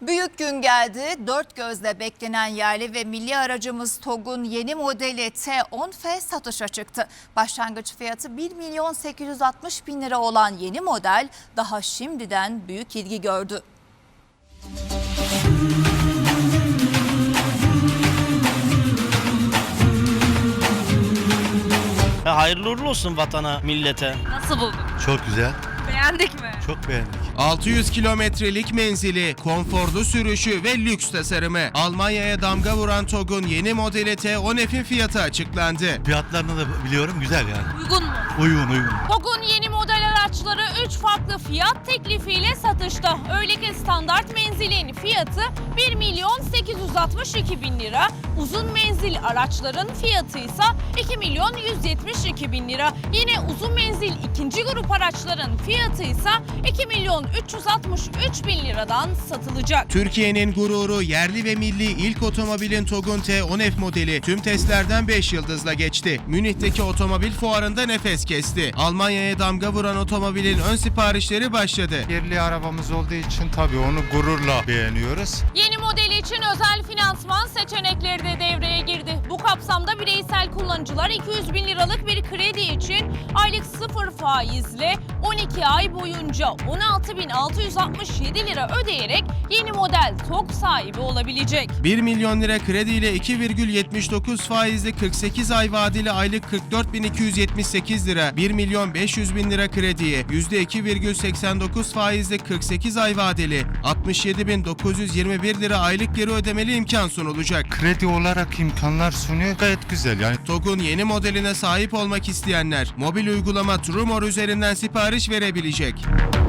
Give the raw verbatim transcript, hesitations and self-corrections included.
Büyük gün geldi. Dört gözle beklenen yerli ve milli aracımız TOGG'un yeni modeli T on F satışa çıktı. Başlangıç fiyatı bir milyon sekiz yüz altmış bin lira olan yeni model daha şimdiden büyük ilgi gördü. Hayırlı uğurlu olsun vatana, millete. Nasıl buldun? Çok güzel. Beğendik mi? Çok beğendik. altı yüz kilometrelik menzili, konforlu sürüşü ve lüks tasarımı. Almanya'ya damga vuran TOGG'un yeni modeli T on F'in fiyatı açıklandı. Fiyatlarını da biliyorum, güzel yani. Uygun mu? Uygun uygun. TOGG'un yeni model araçları üç farklı fiyat teklifiyle satışta. Öyle ki standart menzilin fiyatı bir milyon sekiz yüz altmış iki bin lira, uzun menzil araçların fiyatı ise iki milyon yüz yetmiş iki bin lira. Yine uzun menzil ikinci grup araçların fiyatı ise iki milyon üç yüz altmış üç bin liradan satılacak. Türkiye'nin gururu, yerli ve milli ilk otomobilin TOGG'un T on F modeli tüm testlerden beş yıldızla geçti. Münih'teki otomobil fuarında nefes kesti. Almanya'ya damga vuran otomobilin ön siparişleri başladı. Yerli arabamız olduğu için tabii onu gururla beğeniyoruz. Yeni model için özel finansman seçenekleri de devreye girdi. Bu kapsamda bireysel kullanıcılar iki yüz bin liralık bir kredi için aylık sıfır faizle on iki ay boyunca on altı bin altı yüz altmış yedi lira ödeyerek yeni model TOGG sahibi olabilecek. bir milyon lira krediyle iki virgül yetmiş dokuz faizli kırk sekiz ay vadeli aylık kırk dört bin iki yüz yetmiş sekiz lira, bir milyon beş yüz bin lira krediye yüzde iki virgül seksen dokuz faizli kırk sekiz ay vadeli altmış yedi bin dokuz yüz yirmi bir lira aylık geri ödemeli imkan sunulacak. Kredi olarak imkanlar sunuyor, gayet güzel yani. TOGG'un yeni modeline sahip olmak isteyenler mobil uygulama Trumor üzerinden sipariş verebilecek.